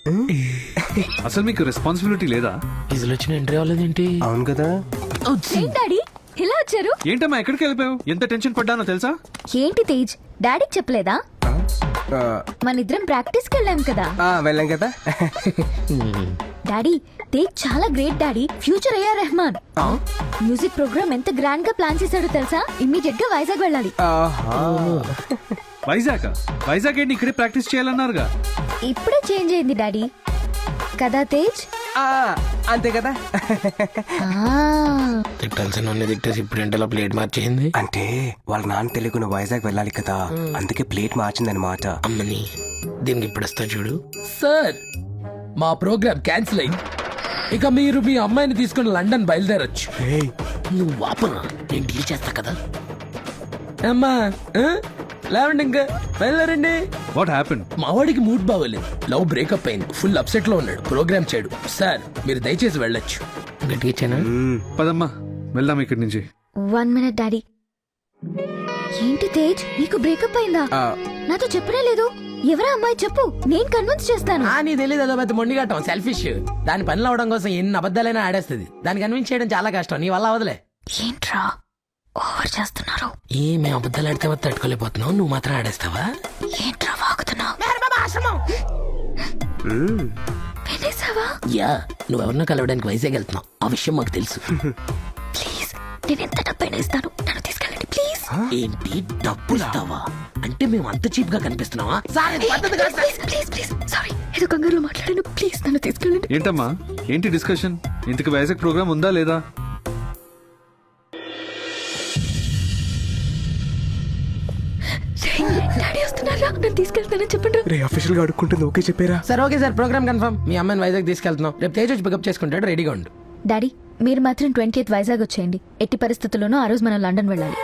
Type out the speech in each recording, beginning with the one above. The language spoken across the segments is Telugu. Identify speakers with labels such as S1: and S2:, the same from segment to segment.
S1: అసలు మీకు రెస్పాన్సిబిలిటీ లేదా?
S2: ఇజలు వచ్చిన ఎంట్రీ అవ్వలేదేంటి?
S3: అవును కదా.
S4: డాడీ ఇలా వచ్చారు?
S1: ఏంటమ్మా ఎక్కడికి వెళ్ళిపోయావు? ఎంత టెన్షన్ పడ్డానో తెలుసా?
S4: ఏంటి తేజ్, డాడీకి చెప్పలేదా? మన ఇద్దరం ప్రాక్టీస్ కి వెళ్ళాం కదా.
S3: వెళ్ళాం కదా.
S4: డాడీ, తేజ్ చాలా గ్రేట్ డాడీ. ఫ్యూచర్ అయ్యా రెహమాన్. మ్యూజిక్ ప్రోగ్రామ్ ఎంత గ్రాండ్ గా ప్లాన్ చేశాడో తెలుసా? ఇమ్మీడియట్ గా వైజాగ్ వెళ్ళాలి.
S1: వైజాగ్ ఏంటి, ఇక్కడే ప్రాక్టీస్ చేయాలన్నారుగా.
S4: ఇప్పుడే చేంజ్ అయింది డాడీ. కదా తేజ్?
S3: అంతే కదా.
S2: తిట్టాల్సిన తిట్టేసి ఇప్పుడు ఏంటో ప్లేట్ మార్చేసింది.
S3: అంటే వాళ్ళ నాన్న తెలియకుండా వైజాగ్ వెళ్ళాలి కదా, అందుకే ప్లేట్ మార్చిందనమాట.
S2: అమ్మని దీనికి ఇప్పుడు వస్తా చూడు.
S5: సార్, మా ప్రోగ్రామ్ క్యాన్సిల్ అయింది. ఇక మీరు మీ అమ్మాయిని తీసుకుని లండన్ బయలుదేరొచ్చు.
S2: నువ్వు వాపనా, నేను డీల్ చేస్తా కదా.
S5: అమ్మా లేవండి, ఇంకా బయలుదేరండి.
S1: What happen?
S5: మా వాడికి మూడ్ బాగోలేదు, లవ్ బ్రేకప్ అయింది, ఫుల్ అప్సెట్ లో ఉన్నాడు, ప్రోగ్రామ్ చేయడు. సార్ మీరు దయచేసి వెళ్ళొచ్చు.
S2: గట్టిగా ఇచ్చానా?
S1: పదమ్మా వెళ్దాం ఇక్కడి నుంచి.
S4: 1 minute డాడీ. ఏంటి తేజ్, నీకు బ్రేకప్ అయిందా? నాతో చెప్పనే లేదు. ఎవరా అమ్మాయి చెప్పు, నేను కన్విన్స్ చేస్తాను.
S5: నీ తెలియదు, అదో పెద్ద మొండిగట్టం, సెల్ఫిష్. దాని పనులు అవడం కోసం ఎన్ని అబద్ధాలైనా ఆడేస్తుంది. దాన్ని కన్విన్స్ చేయడం చాలా కష్టం, నీ వల్ల అవదలే.
S4: ఏంట్రా ఓవర్ చేస్తున్నారు?
S2: మేము అబద్ధాలు ఆడితే తట్టుకోలేకపోతున్నావు, నువ్వు మాత్రం ఆడేస్తావా?
S4: ఏంట్రా వాగుతున్నావు? వినేసావా?
S2: యా, నువ్వెవరినో కలవడానికి వైజాగ్ వెళ్తున్నావు, ఆ విషయం మాకు తెలుసు.
S4: ప్లీజ్, నేను ఎంత డబ్బైనా ఇస్తాను, నన్ను తీసుకెళ్ళండి ప్లీజ్.
S2: ఏంటి డబ్బు ఇస్తావా? అంటే మేము అంత చీప్ గా కనిపిస్తున్నావా?
S4: ప్లీజ్ ప్లీజ్, సారీ, ఏదో కంగారులో మాట్లాడాను, ప్లీజ్ నన్ను తీసుకెళ్ళండి.
S1: ఏంటమ్మా ఏంటి డిస్కషన్? ఇంతకు వైజాగ్ ప్రోగ్రామ్ ఉందా లేదా?
S4: డాడీ వస్తున్నారా, నన్ను తీసుకెళ్తానని చెప్పండి.
S3: రే అఫీషియల్ గా అడుక్కుంటుంది, ఓకే చెప్పారా?
S5: Sir okay sir, program confirm. మీ అమ్మాయిని వైజాగ్ తీసుకెళ్తున్నాం, రేపు తేజ్ వచ్చి పికప్ చేసుకుంటాడు, రెడీగా ఉండు.
S4: డాడీ, మీరు మాత్రం 20th వైజాగ్ వచ్చేయండి. ఎట్టి పరిస్థితుల్లోనూ ఆ రోజు మనం లండన్ వెళ్ళాలి.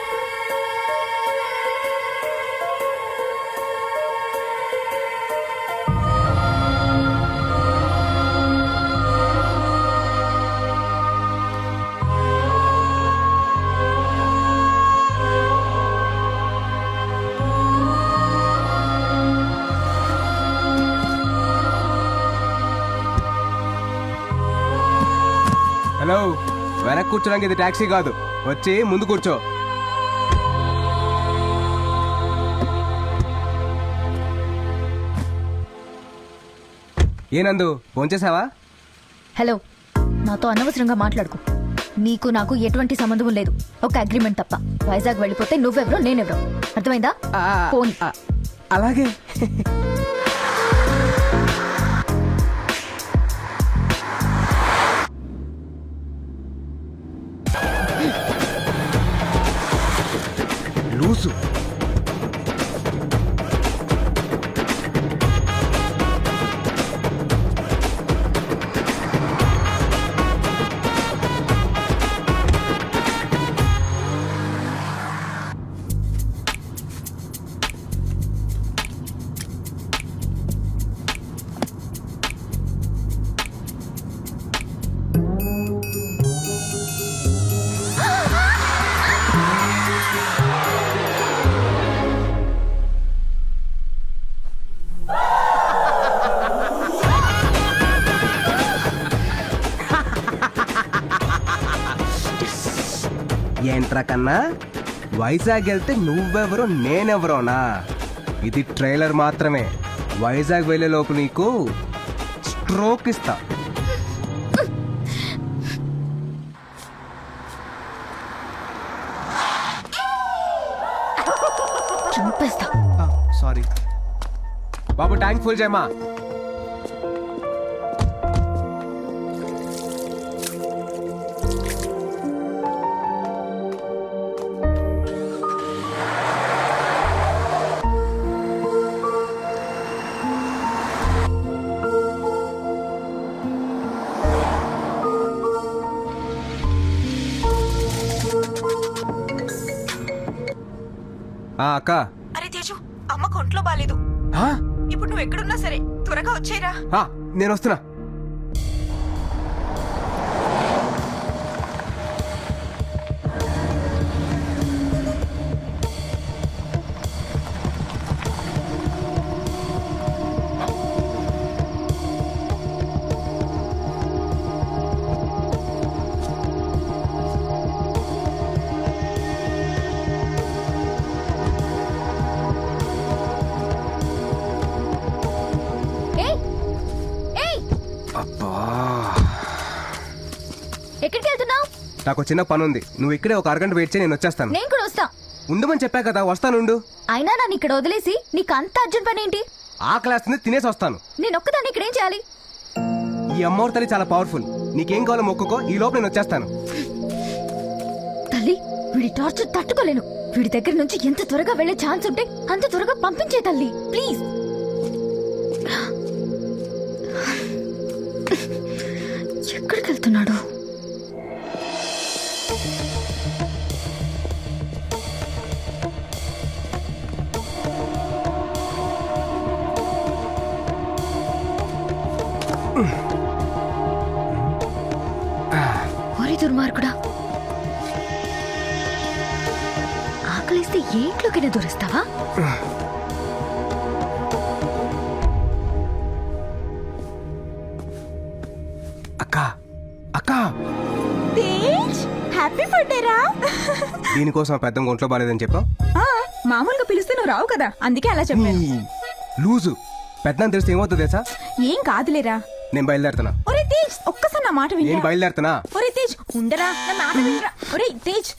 S3: హలో, వెనక్కి కూర్చోడానికి ఇది టాక్సీ కాదు, వచ్చి ముందు కూర్చో. ఏనందు ఫోన్ చేసావా?
S4: హలో, నాతో అనవసరంగా మాట్లాడుకో. నీకు నాకు ఎటువంటి సంబంధం లేదు, ఒక అగ్రిమెంట్ తప్ప. వైజాగ్ వెళ్ళిపోతే నువ్వెవరో నేనెవరో, అర్థమైందా? ఫోన్.
S3: అలాగే. లూసు. ఏంట్రా కన్నా, వైజాగ్ వెళ్తే నువ్వెవరో నేనెవరోనా? ఇది ట్రైలర్ మాత్రమే. వైజాగ్ వెళ్ళే లోపు నీకు స్ట్రోక్ ఇస్తా.
S4: చంపేస్తా.
S3: సారీ బాబు, ట్యాంక్ ఫుల్ చేయమా. అక్క.
S6: అరే తేజు, అమ్మకు ఒంట్లో బాలేదు. ఇప్పుడు నువ్వు ఎక్కడున్నా సరే త్వరగా వచ్చేరా.
S3: నేను వస్తున్నా. అబ్బా
S4: ఎక్కడికి వెళ్తున్నావు?
S3: నాకు చిన్న పని ఉంది, నువ్వు ఇక్కడే ఒక అరగంట వెయిట్ చేయి, నేను వచ్చేస్తాను.
S4: నేను కూడా వస్తా.
S3: ఉండమని చెప్పా కదా, వస్తానుండు.
S4: అయినా నన్ను ఇక్కడ వదిలేసి నీకు అంత అర్జెంట్ పని ఏంటి?
S3: ఆ క్లాస్ ని తినేసి వస్తాను.
S4: నేను ఒక్కదాన్ని ఇక్కడ ఏం చేయాలి?
S3: ఈ అమ్మవారి తల్లి చాలా పవర్ఫుల్, నీకేం కావాలో మొక్కుకో, ఈ లోపు నేను వచ్చేస్తాను.
S4: తల్లి, వీడి టార్చర్ తట్టుకోలేను. వీడి దగ్గర నుంచి ఎంత త్వరగా వెళ్లే ఛాన్స్ ఉంటే అంత త్వరగా పంపించే తల్లి, ప్లీజ్. ఎక్కడికి వెళ్తున్నాడు? ఓరి దుర్మార్గుడా, ఆకలిస్తే ఏ ఇంట్లోకైనా దూరిస్తావా?
S3: అక్క అక్క,
S6: హ్యాపీ బర్త్డే రా.
S3: దీనికోసం ఆ పెద్ద ఒంట్లో బాలేదని చెప్పావు.
S6: మామూలుగా పిలిస్తే నువ్వు రావు కదా, అందుకే అలా చెప్పాను.
S3: లూజు పెద్ద తెలిస్తే ఏమవుతుంది తెలుసా?
S6: ఏం కాదులేరా.
S3: నేను బయలుదేరుతున్నా.
S6: ఒరే తేజ్, ఒక్కసారి నా మాట
S3: నేను
S6: వినరా.
S3: బయలుదేరుతున్నా.
S6: ఒరే తేజ్, ఉండరా, నా మాట వినరా. ఒరే తేజ్.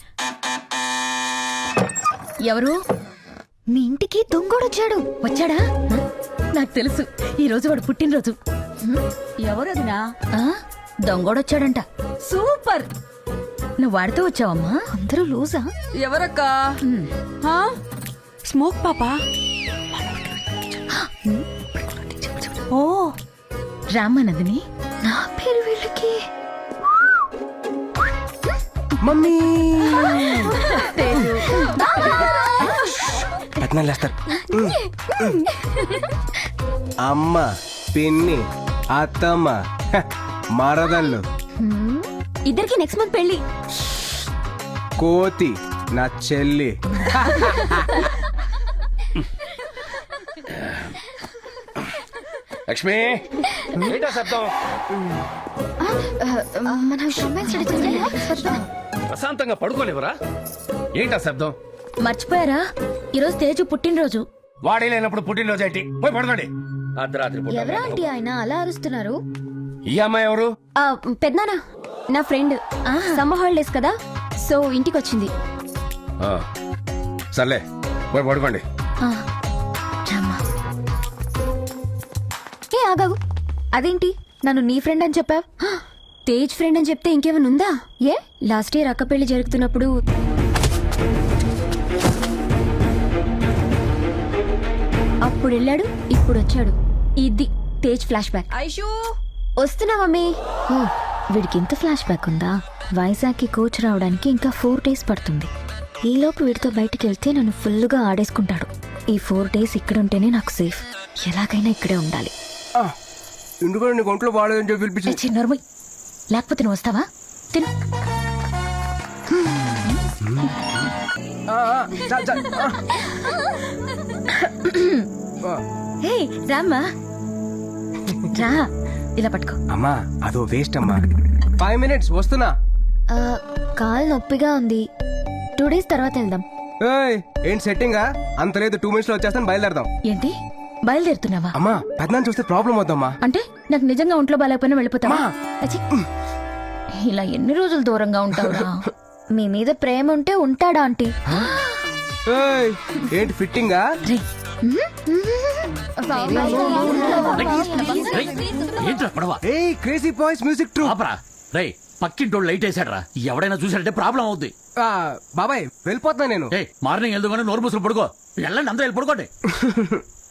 S4: ఎవరు? మీ ఇంటికి దొంగోడొచ్చాడు. వచ్చాడా? నాకు తెలుసు, ఈ రోజు వాడు పుట్టినరోజు.
S6: ఎవరదినా?
S4: దొంగోడొచ్చాడంట.
S6: సూపర్.
S4: నువ్వు వాడితో వచ్చావమ్మా? అందరూ లూజా?
S6: ఎవరక్కా? స్మోక్ పాపా. ఓ
S4: రామానందిని. నా పేరు వీళ్ళకి.
S3: మమ్మీ పెద్దనాలు లేస్తారు. అమ్మ, పిన్ని, అత్తమ్మ, హ, మరదళ్ళు,
S4: ఇద్దరికి నెక్స్ట్ మంత్ పెళ్లి.
S3: కోతి నా చెల్లి.
S7: లక్ష్మి, ఏంటా శబ్దం?
S4: మన
S7: ప్రశాంతంగా పడుకోలేవరా? ఏంటా శబ్దం?
S4: మర్చిపోయారా, ఈరోజు తేజు పుట్టినరోజు.
S7: వాడే లేనప్పుడు పుట్టినరోజు ఏంటి? పోయి పడుకోండి. అర్ధరాత్రి పూట.
S4: ఎవరా ఆంటీ ఆయన అలా అరుస్తున్నారు?
S7: ఈ అమ్మాయి ఎవరు?
S8: పెద్దనానా, నా ఫ్రెండ్. సమ్మర్ హాలిడేస్ కదా, సో ఇంటికి వచ్చింది.
S7: ఆ, సర్లే పోయి పడుకోండి.
S4: ఏ ఆగాగు, అదేంటి నన్ను నీ ఫ్రెండ్ అని చెప్పావు?
S8: తేజ్ ఫ్రెండ్ అని చెప్తే ఇంకేమైనా ఉందా?
S4: ఏ
S8: లాస్ట్ ఇయర్ అక్క పెళ్లి జరుగుతున్నప్పుడు అప్పుడు వెళ్ళాడు, ఇప్పుడు వచ్చాడు. ఇది తేజ్ ఫ్లాష్ బ్యాక్.
S6: ఐషు
S8: వస్తున్నా మమ్మీ.
S4: ఓ, వీడికి ఇంత ఫ్లాష్ బ్యాక్ ఉందా? వైజాగ్కి కోచ్ రావడానికి ఇంకా 4 days పడుతుంది. ఈలోపు వీడితో బయటికి వెళ్తే నన్ను ఫుల్గా ఆడేసుకుంటాడు. ఈ 4 days ఇక్కడ ఉంటేనే నాకు సేఫ్. ఎలాగైనా ఇక్కడే ఉండాలి.
S3: ఎందుకంటే నీకు ఒంట్లో బాగాలేదని చెప్పి పిలిపించి.
S4: చిన్నోర్మయ్, లేకపోతే నువ్వు వస్తావా? తిను. హే రామ్మా, రా, ఇలా పట్టుకో.
S3: అమ్మా అదో వేస్ట్ అమ్మా. 5 minutes వస్తున్నా.
S4: కాలు నొప్పిగా ఉంది, 2 days తర్వాత వెళ్దాం.
S3: ఏయ్, ఏంటి సెట్టింగా? అంత లేదు, 2 minutes లో వచ్చేస్తాను, బయలుదేరదాం.
S4: ఏంటి బయలుదేరుతున్నావా?
S3: అమ్మా పెద్దనాన్ని చూస్తే ప్రాబ్లం అవుతామ్మా.
S4: అంటే నాకు నిజంగా ఒంట్లో బాగాలేకపోయినా వెళ్ళిపోతావా?
S3: అమ్మా.
S4: అచ్చి. ఇలా ఎన్ని రోజులు దూరంగా ఉంటావురా? మీ మీద ప్రేమ ఉంటే ఉంటాడా ఆంటీ?
S3: ఏయ్, ఏంటి ఫిట్టింగా?
S5: ఏంట్రా పడవ?
S3: ఏయ్, క్రేజీ బాయ్స్ మ్యూజిక్ ట్రూ.
S5: ఆపరా రే, పక్కింటోళ్ళు లైట్ వేసాడరా. ఎవడైనా చూసాడంటే ప్రాబ్లం అవుద్ది.
S3: బాబాయ్ వెళ్ళిపోతున్నా నేను.
S5: మార్నింగ్ వెళ్దాం, నోరు మూసులు పడుకో. వెళ్ళండి, అందరూ వెళ్ళి పడుకోండి.